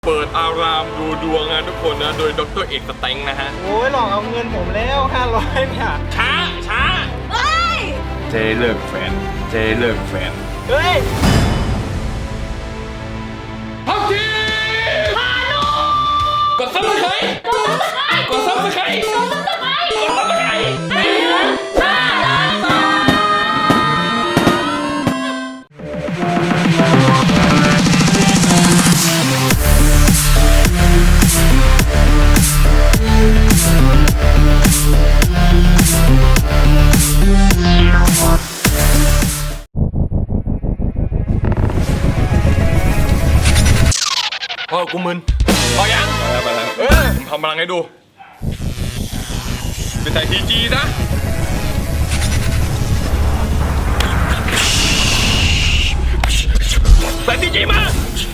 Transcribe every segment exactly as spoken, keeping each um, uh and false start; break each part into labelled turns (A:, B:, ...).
A: เปิดอารามดูดวงนะทุกคนนะโดยดรเอกสเต็งนะฮะ
B: โอ้ยหลอกเอาเงินผมแล้วห้าร้อยเนี่ย
A: ช้าช้าเฮ้ยเจเลิกแฟนเจเลิกแฟน
B: เฮ้ย
A: พักทีกดซับสไครต์กดซับสไครต์กดซับสไครต์กดซับสไครต์ไม่เหลือห้าล้านบาทพอกูมึนพอยังไปแล้วเออผมทำพลังให้ดูไปใส่ทีจีนะใส่ทีจีมา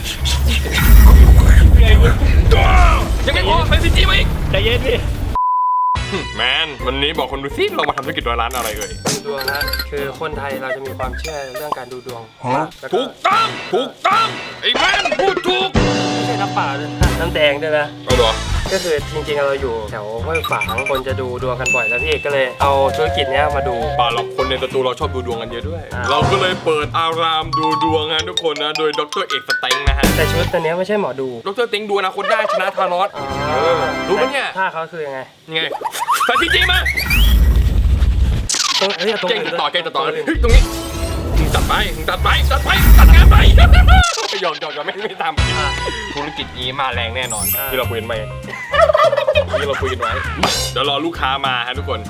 A: ยังไงพอใส่ทีจีมาอีก
B: ใจเย็นพี่
A: แมนวันนี้บอกคนดูซิเรามาทำธุรกิจร้อยล้านอะไรเอ่ย
C: ดูดวงนะคือคนไทยเราจะมีความเชื่อเรื่องการดูดวง
A: ถูกต้องถูกต้องไอ้แมนพูดถูก
C: ไม่ใช่น้ำเปล่าด้วยน้ำแดงด้วยนะ
A: เอาเหรอ
C: ก็คือจริงๆเราอยู่แถวห้วยฝางคนจะดูดวงกันบ่อยแล้วพี่ก็เลยเอาธุรกิจนี้มาดู
A: ป่าเราคนในสตูเราชอบดูดวงกันเยอะด้วยเราก็เลยเปิดอารามดูดวงนะทุกคนนะโดยดรเอกสเต็งนะฮะ
C: แต่ชุดตัวนี้ไม่ใช่หมอดู
A: ดรเต็งดูอนาคตได้ชนะธานอสรู้ไหมเนี่ย
C: ท่าเขาคือยังไง
A: ยังไงใส่ทีจีมา
C: ตรงเฮ้ยตรง
A: เก่งจะต่อเก่งจะต่อเฮ้ยตรงนี้ตัดไปตัดไปตัดไปตัดงานไปหยอกหยอกหยอกไม่ไม่ทำธุรกิจนี้มาแรงแน่นอนที่เราคุยกันไปที่เราคุยกันไว้เดี๋ยวรอลูกค้ามาฮะทุกคน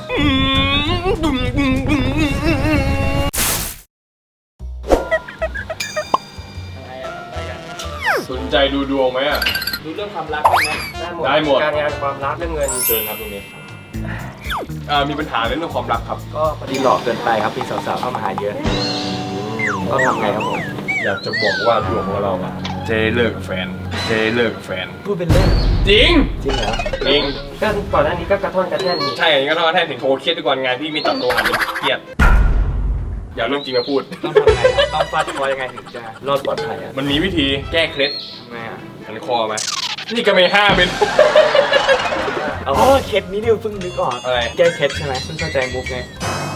A: สนใจดูดวงไหมอ่ะ
B: ดูเรื่องความรักได้ไหม
A: ได้หมด
C: การงานความรักเรื่องเงิน
A: เชิญครับตรงนี้มีปัญหาเรื่องความรักครับ
B: ก็พอดีหลอกเกินไปครับมีสาวๆเข้ามาหาเยอะก็ทำไงครับผม
A: อยากจะบอกว่าดวงของเราอะเจเลิกแฟนเจเลิกแฟน
B: พูดเป็นเล่น
A: จริง
B: จริงเหรอ
A: จริง
C: ก็ก่อนหน้านี้ก็กระท่อนกระแท่น
A: ใช่ก็กระท่อนกระแท่นถึงโทรเครียดทุกวันงานพี่มีตัดตัวหันเป็นเครียดอย่าเรื่องจริงมาพูด
B: ต้องทำไงต้องฟาดคอยังไงถึงจะรอดปลอดภัยอ่ะ
A: มันมีวิธีแก้เคล็ด
B: ทำไงอ่ะ
A: หันคอไหมนี่ก็ไม่ห้าเป็น
B: อ๋อเคล็ดนี้ดิวเพิ่งนึกออก
A: อะไร
B: แก้เคล็ดใช่ไหมเพิ่งเข้าใจมุกไง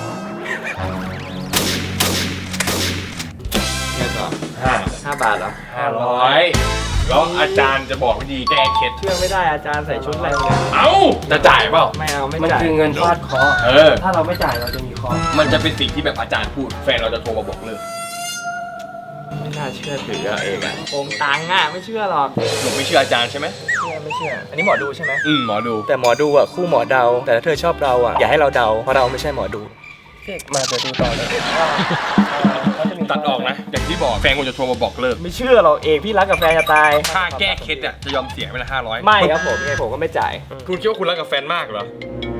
B: แค่ต่อห้าห้าบาทเหรอ
A: ห้าร้อยแล้วอาจารย์จะบอกวิธีแก้เคล็ด
B: เชื่อไม่ได้อาจารย์ใส่ชุดอะไรเนี่ย
A: เอ้าจะจ่ายเปล่า
B: ไม่เอาไม่
C: จ่ายมันคือเงินฟาดเคาะ
A: เออ
C: ถ้าเราไม่จ่ายเราจะมีเคาะ
A: มันจะเป็นสิ่งที่แบบอาจารย์พูดแฟนเราจะโทรมาบอกเลิก
B: ไม่น่าเชื่อถือเองอะโกงตังค์อะไม่เชื่อหรอก
A: หนูไม่เชื่ออาจารย์ใช่ไหม
B: เชื่อไม่เชื่ออันนี้หมอดูใช่ไหม
A: อืมหมอดู
B: แต่หมอดูอะคู่หมอเดาแต่ถ้าเธอชอบเราอะอย่าให้เราเดาเพราะเราไม่ใช่หมอดู
C: เด็กมาจะดูต่อเลย
A: ตัดออกนะอย่างที่บอกแฟนกูจะโทรมาบอกเลิก
B: ไม่เชื่อหรอกเอกพี่รักกับแฟนจะตาย
A: ค่าแก้เคล็ดอะจะยอมเสียไปละห้าร้อย
B: ไม่ครับผมไงผมก็ไม่จ่าย
A: คุณคิดว่าคุณรักกับแฟนมากเหรอ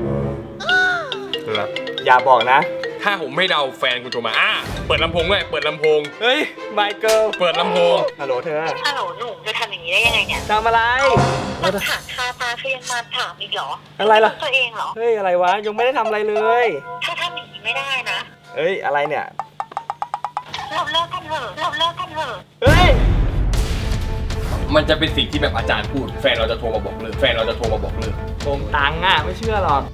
B: อย่าบอกนะ
A: ถ้าผมไม่เดาแฟนคุณโทรมาอ่ะเปิดลำโพงด้วยเปิดลำโพง
B: เฮ้ยไมเคิล
A: เปิดลำโพง
B: ฮัลโหลเธอ
D: ฮัลโหลหนูจะทำอย่างนี้ได้ยังไงเนี่ย
B: ทำอะไร
D: มาถามคาตาเธอยังมาถามอีกเหรอ
B: อะไรล่ะ
D: ตัวเองเหรอ
B: เฮ้ยอะไรวะยังไม่ได้ทำอะไรเลย
D: ถ้าทำอย่างนี้ไม่ได้นะ
B: เฮ้ยอะไรเนี่ย
D: เราเลิกกันเถอะเราเลิกกันเถอะ
B: เฮ้ย
A: มันจะเป็นสิ่งที่แบบอาจารย์พูดแฟนเราจะโทรมาบอกเลิกแฟนเราจะโทรมาบอกเลิก
B: โกงตังค์อ่ะไม่เชื่อหรอก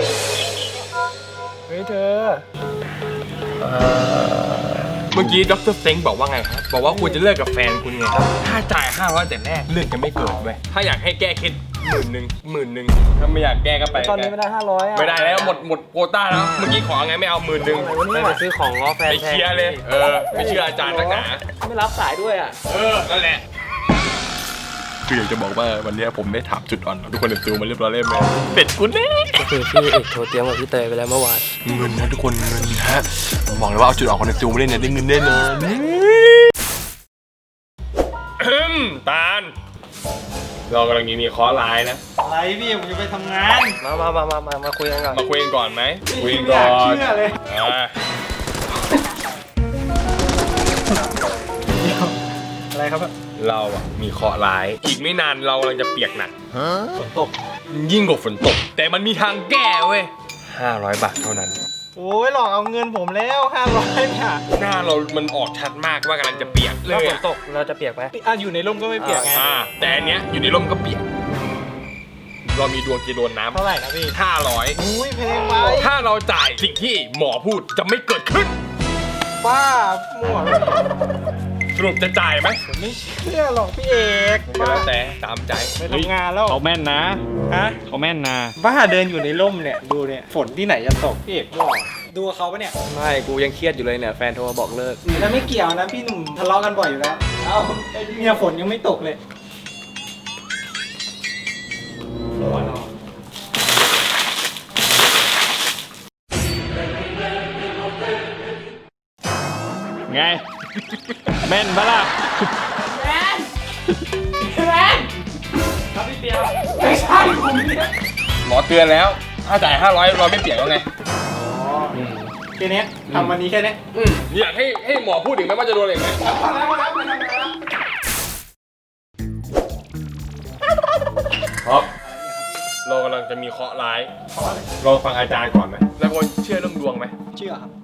B: เฮ้ยเธอ
A: เมื่อกี้ดรเซ็งบอกว่าไงครับบอกว่าคุณจะเลิกกับแฟนคุณไงครับถ้าจ่ายห้าร้อยแต่แรกเรื่องจะไม่เกิดเว้ยถ้าอยากให้แก้เคล็ดหมื่นหนึ่งหมื่นหนึ่งถ้าไม่อยากแก้ก็ไป
B: ตอนนี้ไม่ได้ห้าร้อยอ่ะ
A: ไม่ได้แล้วหมดหมดโควต้าแล้วเมื่อกี้ขอไงไม่เอาหมื่นหนึ่ง
C: ไม่ไปซื้อของง้อแฟน
A: ไปเคลียร์เลยเออไม่เชื่ออาจารย์นักหนา
B: ไม่รับสายด้วยอ่ะ
A: เออนั่นแหละคืออยากจะบอกว่าวันนี้ผมได้ถามจุดอ่อนทุกคนเด็ดติวมาเรียบร้อยเลยไหมเป็ดกูเน่
C: ก็คือพี่เอกโทรเตรียมกับพี่เตยไปแล้วเมื่อวาน
A: เงินนะทุกคนเงินฮะผมบอกเลยว่าเอาจุดอ่อนคนเด็ดติวมาเล่นเนี่ยได้เงินแน่นอนตาลเรากำลังมีคอร์สไลน์นะ
B: อะไรพี่ผมจะไปทำงาน
C: มามามามามามาคุยกันก่อน
A: มาคุยกันก่อนไหมคุยกันก่อน
B: เชื่อเลยอะไรครับ
A: เราอะมีเคราะห์ร้ายอีกไม่นานเรากำลังจะเปียกหนัก
B: ฝนตก
A: ยิ่งกว่าฝนตกแต่มันมีทางแก้เว้ยห้าร้อยบาทเท่านั้น
B: โอ้ยหลอกเอาเงินผมแล้วห้าร้อยเนี่ย
A: หน้าเรามันออกชัดมากว่ากำลังจะเปียกเล
C: ถ้าย ฝน
A: อะ
C: ตกเราจะเปียกไหม
B: อ่ะอยู่ในร่มก็ไม่เปียกไง
A: อ่าแต่อันเนี้ยอยู่ในร่มก็เปียก เรามีดวงจะโดนน้ำ
B: เท่าไหร่นะพี่
A: ห้าร้อย
B: อุ้ยแพงไป
A: ถ้าเราจ่ายสิ่งที่หมอพูดจะไม่เกิดขึ้น
B: ป้ามั่วแล้ว
A: สรุปจะจ่ายไหม
B: ผมไม่เชื่อหรอกพี่เอก
A: ก็แล้วแต่ตามใจ
B: ไปทำงานแล้ว
E: เขาแม่นนะ
B: ฮะ
E: เขาแม่นนะ
B: บ้าเดินอยู่ในร่มเนี่ยดูเนี่ยฝนที่ไหนจะตกพี่เอกมั่วดูกับเขาปะเนี่ย
E: ไม่กูยังเครียดอยู่เลยเนี่ยแฟนโทรมาบอกเลิก
B: แล้วไม่เกี่ยวนะพี่หนุ่มทะเลาะกันบ่อยอยู่แล้วเอ้าไอ้เนี่ยฝนยังไม่ตกเลย
E: ไง แม่นปะล่ะ
C: ครับพี่เปียว
B: ไม่ใช่ผมเนี่ย
A: หมอเตือนแล้ว ถ้าจ่ายห้าร้อยเราไม่เปียกแล้วไง
B: แค่เนี้ยทำวันนี้แค่เนี้ย
A: อืมอยากให้ให้หมอพูดถึงไหมว่าจะโดนอะไรไหม
B: พอแล้วพอแล้วพอแล้วพอแล้ว
A: ครับเรากำลังจะมีเคราะห์ร้ายเราฟังอาจารย์ก่อนไหมแล้วคนเชื่อเรื่องดวงไหม
B: เชื่อครับ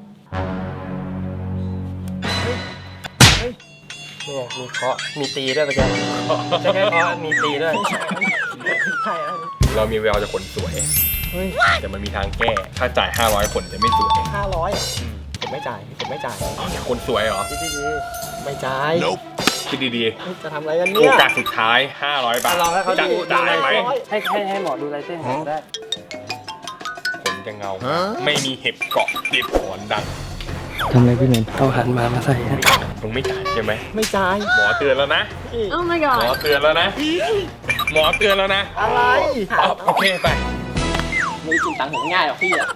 C: เนี่ยมีเคาะมีตีด้วยไปแกใช่แค่เคาะมีตีด้วยใช่แล้ว
A: เรามีแววจะคนสวยแต่มันมีทางแก้ ถ้าจ่ายห้าร้อยคนจะไม่สวย
B: ห้าร้อยผมไม่จ่ายผมไม่จ่าย
A: อ๋ออยากคนสวยเหรอ
C: ดีดี
B: ไม่จ่าย
A: คิดดี
B: จะทำอะไรกัน
A: ๆ
B: เนี่
A: โอย กาสสุดท้ายห้าร้อยบาท
C: ลองให้เขา
A: จะ
C: ดู
A: จ่ายไหม
C: ให้ให้ให้หมอดูลายเส้นผมได้
A: ขนจะเงา ไม่มีเห็บเกาะติดหอนดัง
C: ทำอะไรพี่เมนเอาหันมามาใส่ฮะ
A: มึงไม่จ่ายใช่ไหม
B: ไม่จ่าย
A: หมอเตือนแล้วนะ
D: Oh my
A: หมอ
D: god.
A: เตือนแล้วนะ หมอเตือนแล้วนะ
B: อะไร
A: เอาโอเคไป
B: ไม่ได้กินตังค์ผมง่ายหรอกพี่อะ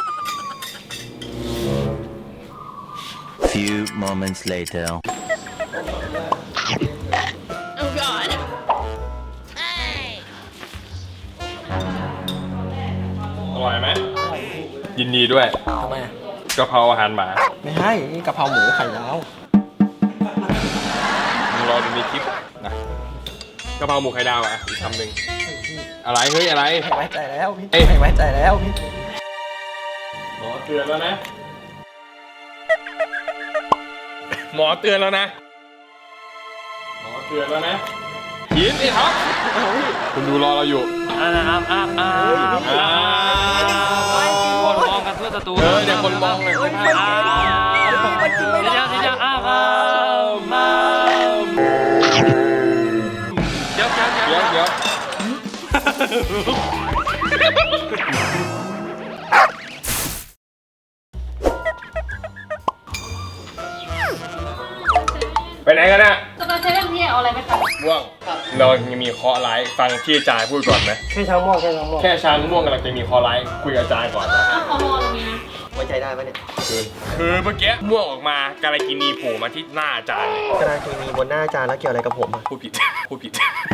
F: Few moments later.
D: Oh god.
A: อร่อยไหมยินดีด้วย
B: ทำไมอะ
A: กะเพราอาหารหมา
B: ไม่ให้นี่กะเพราหมูไข่ดาว
A: มึงรอดูในคลิปนะกะเพราหมูไข่ดาวอ่ะอีกคำหนึ่งอะไรเฮ้ยอะไร
B: ไม่ไว้ใจแล้วพี่
A: เอ้ย
B: ไม่ไว้ใจแล้วพี่
A: หมอเตือนแล้วนะ หมอเตือนแล้วนะ หมอเตือนแล้วนะยินไอ้ท็อปคุณดูรอเราอยู่
C: อ่านะครับอ้าอ้า
A: อ่า
C: คนมองกันทั่วประตู
A: เออเดี๋ยวคนมองเลย
C: อ้าเดี๋ยวเดี๋ยวอ้ามามาเดี๋ยวเดี๋ยว
A: เดี๋ยวเดี๋ยวไปไหนกันน่ะ
D: จะไปเซเว่นพี่เอาอะไรไหมคะ
A: ม่วงเรายังมีเคราะห์ร้ายฟังที่อาจารย์พูดก่อนไหม
C: แค่ช้างม่วงแค่ช้างม่วง
A: แค่ช้างม่วงกำลังจะมีเคราะห์ร้ายคุยกับอาจารย์ก่อนนะ
D: อ้าวขอรอตรงนี้นะ
B: ไว้ใจได้ปะเนี่ย
A: คือคือเมื่อกี้ม่วงออกมาการากินีโผล่มาที่หน้าอาจารย์เลย
B: กระดาษเคมีบนหน้าอาจารย์แล้วเกี่ยวอะไรกับผมอะ
A: พูดผิด พูดผิด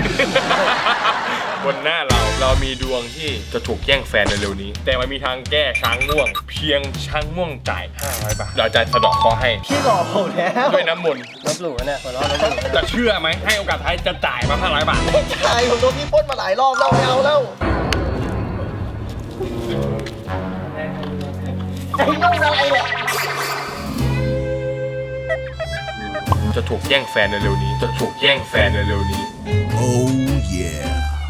A: บนหน้าเราเรามีดวงที่จะถูกแย่งแฟนในเร็วนี้ แต่มันมีทางแก้ช้างม่วง เพียงช้างม่วงจ่ายห้าร้อยบาทเราจะสะเดอกเคราะห์ให้
B: พี่หลอกผมแล้ว
A: ด้วยน้ำมนต์
C: ลบหลู่นะเนี่ยหัวเราะลบหลู่
A: จะเชื่อไหมให้โอกาสท้ายจะจ่ายมาห้าร้อยบาท
B: ใช่ผมโดนพี่ปล้นมาหลายรอบแล้วไม่เอาแล้วไอ้ลูกอะไรเนี่ย
A: จะถูกแย่งแฟนในเร็วนี้ จะถูกแย่งแฟนในเร็วนี้
F: Oh yeah.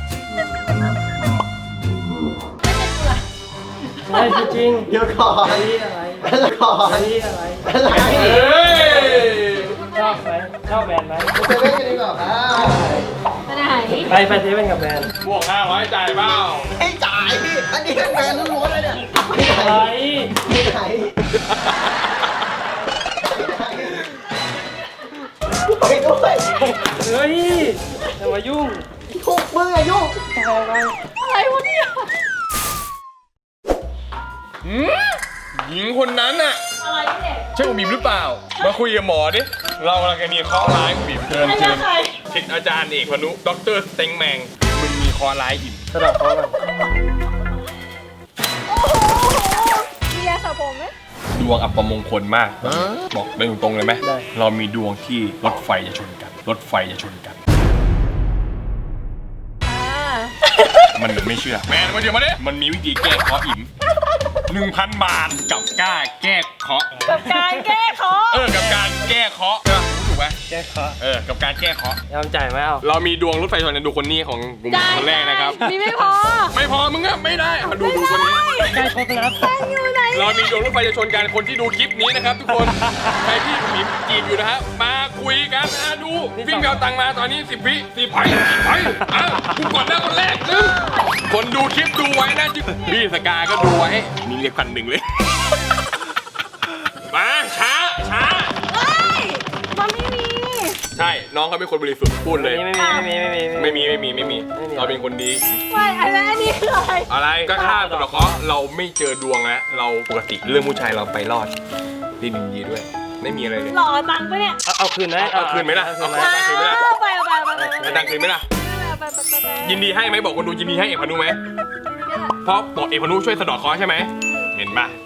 C: ไม่จริง
B: เดี๋ยวก่อน
C: อะไรอะไร
B: อะไรก่อน
C: อะไรอะไร
B: อะไร
A: เฮ้ย
C: ชอบไหมชอบแบรนด์ไหม
B: ไปเล่นกันดีกว่าครับ
D: ไปไหน
C: ไปไปเซเว่นกับแบรนด์
A: บวกห้าร้อยจ่ายเปล่า
B: ให้จ่ายพี่อันนี้แฟนล้วนๆเลยเนี่ยไม่ไหน
C: อะไร
B: ไม่ไหนไปด้วย
C: เฮ้ยอย่ามายุ่ง
B: ทุกมือยุ่ง
D: อะไรวะเนี่ย
A: หืมหญิงคนนั้นน่ะ
D: อะไรเนี่ย
A: ใช่คุณบีมหรือเปล่า มาคุยกับหมอดิ เรากำลังจะมีเคราะห์ร้ายคุณบีมเชิญเชิญทิศอาจารย์เอกพนุด็อกเตอร์สเต็งแมงมึงมีเคราะห์ร้ายอิ่ม
C: กระดาษเขาแบบ
D: มียาสระผมไหม
A: ดวงอัปมงคลมาก บอกไปตรงๆเลยไหม เรามีดวงที่รถไฟจะชนกัน รถไฟจะชนกัน
D: อ่า
A: มันไม่เชื่อ แมนมาเดี๋ยวมาดิมันมีวิธีแก้เคราะห์อิ่มหนึ่งพันบาทกับกล้าแก้เคราะห์
G: กับการแก้เคราะห์
A: เออกับการแก้เคราะห์ใช่ปะถูกไหม
C: แก้เคราะห์
A: เออกับการแก้เคราะห์
C: ยอมจ่ายไหมเอา
A: เรามีดวงรถไฟชนกันดูคนนี้ของกลุ่มคนแรกนะครับ
G: มีไม่พอ
A: ไม่พอมึงอะไม่ได้เอาดูดูคนนี้
C: ใกล้ครบแล้ว
G: อยู่ไหน
A: เรามีดวงรถไฟจะชนกันคนที่ดูคลิปนี้นะครับทุกคนใครที่หมีจีบอยู่นะฮะมาคุยกันนะดูวิ่งไปเอาตังค์มาตอนนี้สิบวิสิบไปไปอ่ะกูกดแล้วคนแรกหนึ่งคนดูคลิปดูไว้นะจิ๊บพี่สกาก็ดูไว้มีเรียกพันหนึ่งเลยมาช้าช้า
G: เฮ้ยมันไม่มี
A: ใช่น้องเขาเป็นคนบริสุทธิ์พูดเลย
C: ไม่มีไม่มีไม่มี
A: ไม่มีไม่มีไม่มีเราเป็นคนดี
G: ไม่อะไรอันนี้คืออะไร
A: อะไรก็ค่าสำหรับเขาเราไม่เจอดวงแล้วเราปกติเรื่องผู้ชายเราไปรอดดีดีดีด้วย ไม่มีอะไรเลย
G: หล่อตังค์ปะเนี่ย
C: เอาเอาคืนไหม
A: เอาคืนไหมล่ะ
C: เอาคืนไหม
A: เอาคืนไหมล่ะ
G: เอาไปเอาไปเอาไปเอาไป
A: เอาตังค์คืนไหมล่ะ
G: เอาไปเอาไปเอาไป
A: ยินดีให้ไหมบอกคนดูยินดีให้เอกพานุไหมเพราะบอกเอกพานุช่วยสะเดอกเคราะห์ใช่ไหมเห็นปะ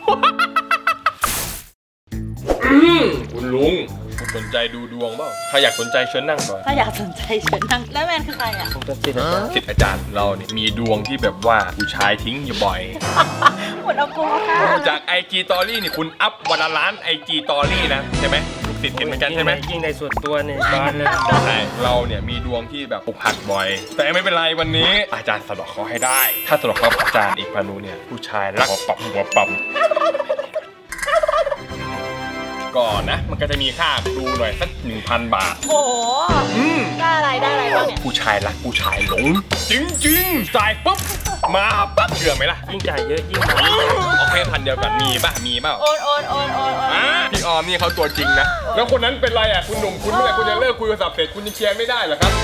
A: อืมคุณลุงสนใจดูดวงเปล่าถ้าอยากสนใจเชิญนั่งก่อน
G: ถ้าอยากสนใจเชิญนั่งแล้วแมนคือใครอ่ะ
C: ผมเป็นสิทธิ์อาจารย์
A: ศิษย์อาจารย์เราเนี่ยมีดวงที่แบบว่าผู้ชายทิ้งอยู่บ่อย
G: หมดเอาโกค่ะ
A: จากไอจีตอรี่นี่คุณอัพวันละล้านไอจีตอรี่นะใช่ไหมลูกศิษย์เห็นเหมือนกันใช่ไหม
C: ยิ่งในส่วนตัวเนี่ยบ้านเลย
A: ใช่เราเนี่ยมีดวงที่แบบอกหักบ่อย แต่ไม่เป็นไรวันนี้อาจารย์สะเดอกเคราะห์ให้ได้ ถ้าสะเดอกเคราะห์อาจารย์เอกพานุเนี่ยผู้ชายรักหัวปับหัวปั๊มก่อนนะ มันก็จะมีค่าดูหน่อยสักหนึ่งพันบาท
G: โอ้โห
A: อืม
G: ได้อะไรได้อะไรบ้างเนี่ย
A: ผู้ชายรักผู้ชายหลง จริงๆจ่ายปุ๊บมาปั๊บเชื่อไหมล่ะ
C: ยิ่งจ่ายเยอะยิ่งมา
A: โอเคพันเดียวกันมีป่ะมีเปล่า
G: โอนโอนโอนโอนโอน
A: อ่ะพี่ออมนี่เขาตัวจริงนะ แล้วคนนั้นเป็นไรอ่ะคุณหนุ่มคุณเมื่อไหร่คุณจะเลิกคุยโทรศัพท์เสร็จคุณยังเคลียร์ไม่ได้เหรอครับ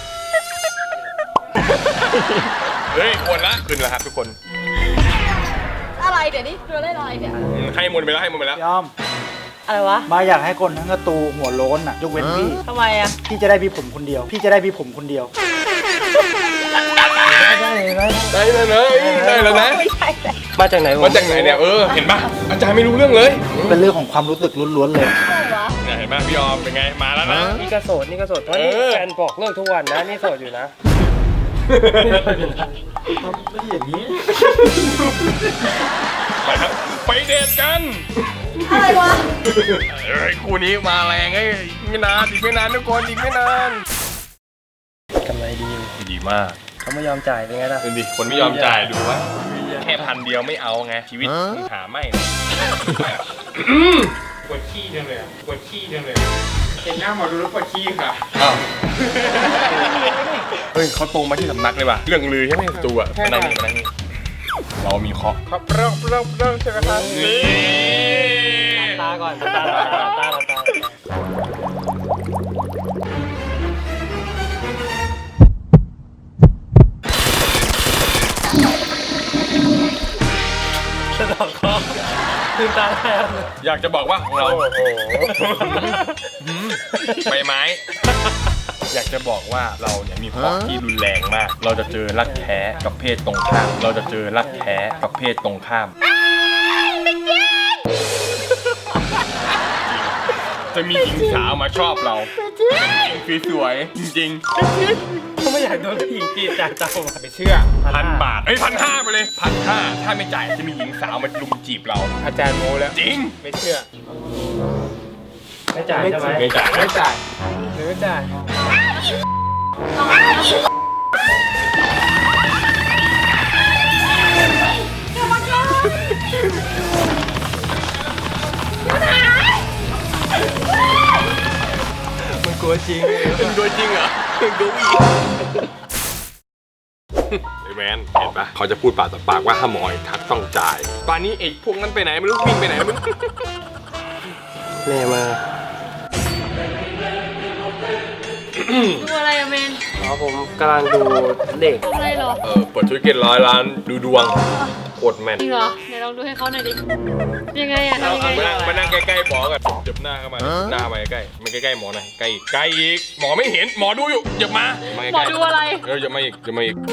A: เฮ้ยควรละขึ้นแล้วครับทุกคน
G: อะไรเดี๋ยวนี้คือเล่นอะไรเนี่ย
A: อืมให้หมดไปแล้วให้หมดไปแล้ว
H: ยอม
G: อะไรวะ
H: มาอยากให้คนทั้งกระตูหัวโล้นอ่ะยกเว้นพี่
G: ทำไมอ่ะ
H: พี่จะได้มีผมคนเดียว พี่จะได้มีผมคนเดียว ได้ได้ได้
A: ได้แล้วนะได้แล้วนะ
G: ไม่ใช่แต่
C: มาจากไหนวะ
A: มาจากไหนเนี่ยเออเห็นปะอาจารย์ไม่รู้เรื่องเลย
H: เป็นเรื่องของความรู้สึกล้วนๆเลย
G: อะไรวะ
A: เนี่ยเห็นปะพี่ออมเป็นไงมาแล้วนะ
C: นี่ก็โสดนี่ก็โสดเพราะนี่
A: เออ
C: แฟนบอกเลิกทุกวันนะนี่โสดอยู่นะ
H: ไม่อย่างนี้
A: ไปครับไปเดทกัน
G: อะไรวะ
A: เฮ้ยคู่นี้มาแรงไอ้ยอีกไม่นานอีกไม่นานทุกคนอีกไม่นาน
C: กำไรดี
A: ดีมาก
C: เขาไม่ยอมจ่ายเป็นไงล่ะ
A: ดูดิคนไม่ยอมจ่ายดูวะแค่พันเดียวไม่เอาไงชีวิตมึงหาไม่เลยปวดขี้จังเลยปวดขี้จังเลยเห็นหน้าหมอดูแล้วปวดขี้ค่ะอ้าวเฮ้ยเขาตรงมาที่สำนักเลยว่ะเรื่องลือใช่ไหมตัวอ่ะมานั่งนี่มานั่งนี่เรามีเคาะครับเริ่มเริ่มเริ่มใช่ไหมครับนี่
C: ตาก่อนตาตาตาตาตาตาสะดอกคอตื่นตาแล้ว
A: อยากจะบอกว่าของเรา
C: โอ้โห
A: ใบไม้ อยากจะบอกว่าเราเนี่ยมีเคราะห์ที่รุนแรงมาก เราจะเจอรักแท้กับเพศตรงข้าม เราจะเจอรักแท้กับเพศตรงข้าม จะมีหญิงสาวมาชอบเราคือสวยๆจริง
C: เขาไม่อยากโดนผู้หญิงจีบจ่ายตังค์
A: ๆไม่เชื่อพันบาทเอ้ยพันห้าไปเลยพันห้าถ้าไม่จ่ายจะมีหญิงสาวมาลุมจีบเรา
C: อาจารย์โมแล้ว
A: จริง
C: ไม่เชื่อ ไม่จ่ายใช่ไหม
A: ไม่จ่ายไม่จ่าย
C: หรือไม่จ่าย
A: มันกลัวจริงมันกลัวจริงเหรอมันกลัวอีกไอ้แมนเห็นปะเขาจะพูดปากต่อปากว่าถ้าหมอยทักต้องจ่ายป่านนี้ไอ้พวกนั้นไปไหนไม่รู้วิ่งไปไหนไม่รู้
C: แม่มา
G: ดูอะไรอะเมน
C: อ๋อผมกำลังดูเด็ก
G: ทำอะไรเหรอ
A: เออเปิดธุรกิจร้อยล้านดูดวงโคตรแม่น
G: จริงเหรอไหนลองดูให้เขาหน่อยดิ ยังไงอะ
A: เอา
G: ทำยัง
A: เอา
G: ไง
A: มานั่งมานั่งใกล้ๆหมอกันเจ็บหน้าเข้ามาหน้ามาใกล้ๆมาใกล้ๆหมอหน่อยใกล้อีกใกล้อีกหมอไม่เห็นหมอดูอยู่อย่ามามา
G: หมอ
A: ใกล้
G: ดูอะไร
A: ๆเอออย่ามาอีกอย่ามาอีก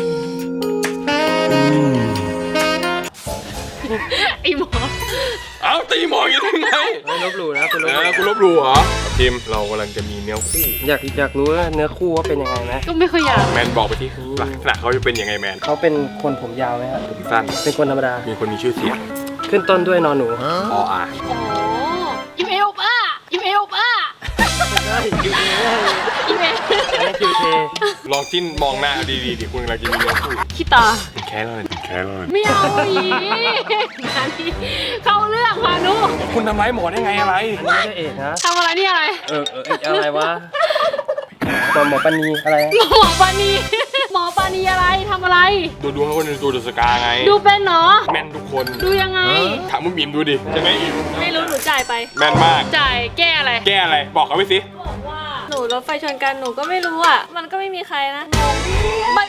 G: ไอหมอ
A: เอาตีหมออย่างนี้ได้ไง
C: ไม่ลบหลู่นะคุณลบห
A: นะ
C: ลู่
A: คุณลบหลู่เหรอทีมเรากำลังจะมีเนื้อคู่
C: อยากอยากรู้ว่าเนื้อคู่ว่าเป็นยังไงไหม
G: ก็ไม่ค่อยอยาก
A: แมนบอกไปที่ลักษณะเขาจะเป็นยังไงแมน
C: เขาเป็นคนผมยาวไหมครับ
A: ผมสั้น
C: เป็นคนธรรมดา
A: มีคนมีชื่อเสียง
C: ขึ้นต้นด้วยนอนหนู
A: อ๋ออ่ะ
G: อ๋ออิมเอลป้าอิมเอลป้า
C: ใช่คิวเท
G: อิมเอล
C: อันนั้นคิวเท
A: ลองจิ้นมองหน้าดีๆดิคุณกำลังจะมีเรื่องพูด
G: ขี้ตา
A: แค่เลยแค่เลย
G: ไม่เอาอีงานนี้เข้าเรื่องพานุ
A: คุณทำร้ายหมอได้ไงอะไร
C: อันนี้ไม่ใช่เอกนะ
G: ทำอะไรนี่อะไร
C: เออเออเอกอะไรวะตอนหมอปณีอะไร
G: หมอปานีหมอปานีอะไรทำอะไร
A: ดูดวงให้คนดูดูสกาไง
G: ดูเป็นเหรอ
A: แม่นทุกคน
G: ดูยังไง
A: ถามมึงบีมดูดิใช่ไหมอิม
G: ไม่รู้หนูจ่ายไป
A: แม่นมาก
G: จ่ายแก้อะไร
A: แก้อะไรบอกเขาไปสิ
G: บอกว่าหนูรถไฟชนกันหนูก็ไม่รู้อ่ะ มันก็ไม่มีใครนะมัน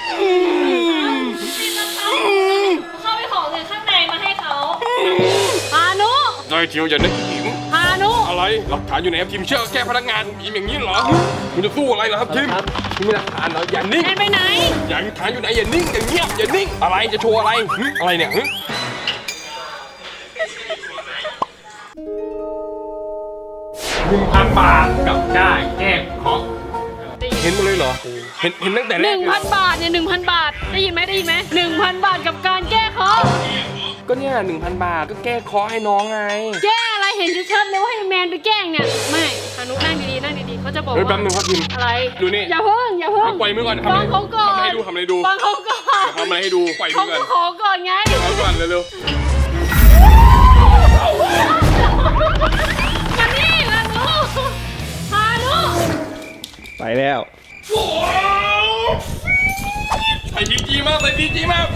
G: เข้าไปขอเงินข้างในมาให้เขาพานุ
A: นายเจียวอย่านึกอิม
G: พานุ
A: อะไรหลักฐานอยู่ไหนครับทีมเชื่อแก้พนักงานอิมอย่างนี้เหรอคุณจะสู้อะไรเหรอครับทีมคุณมีหลักฐานเหรออย่านิ่ง
G: แอนไปไหน
A: อย่าหลักฐานอยู่ไหนอย่านิ่งอย่าเงียบอย่านิ่งอะไรจะโชว์อะไรหึอะไรเนี่ยหึหนึ่งพันบาทกับได้แก้เคราะห์เห็นหมดเลยเหรอเห็นเห็นตั้งแต่แร
G: ห
A: ก
G: นึ่ง
A: เลย
G: พันบาทเนี่ยหนึ่งพันบาท ได้ยินไหมได้ยินไหมหนึ่งพันบาทกับการแก้เคราะห์
A: ก็เนี่ยหนึ่งพันบาทก็แก้เคราะห์ให้น้องไง
G: แก้อะไรเห็นชัดๆเลยว่าให้แมนไปแกล้งเนี่ย ไม่พานุนั่งดีๆนั่งดีๆเขาจะบอก
A: เฮ้ย
G: ว่า
A: แป๊บนึงครับพิม
G: อะไร
A: ดูนี่
G: อย่าเพิ่งอย่าเพิ่ง
A: เอาปล่อยมือก่อนทำ
G: ฟั
A: อะไร
G: งเขาก่อน
A: ทำอะไรให้ดูทำอะไรให้ดู
G: ฟังเขาก่อน
A: ทำอะไรให้ดูปล่อยมื
G: เขา
A: อก่
G: ก็
A: อน
G: ขอก่อนไง
A: เอาก่อนเร็ว
G: มานี่พานุพานุ
E: ไปแล้ว
A: ๆใส่ดีจีมากใส่ดีจีมาก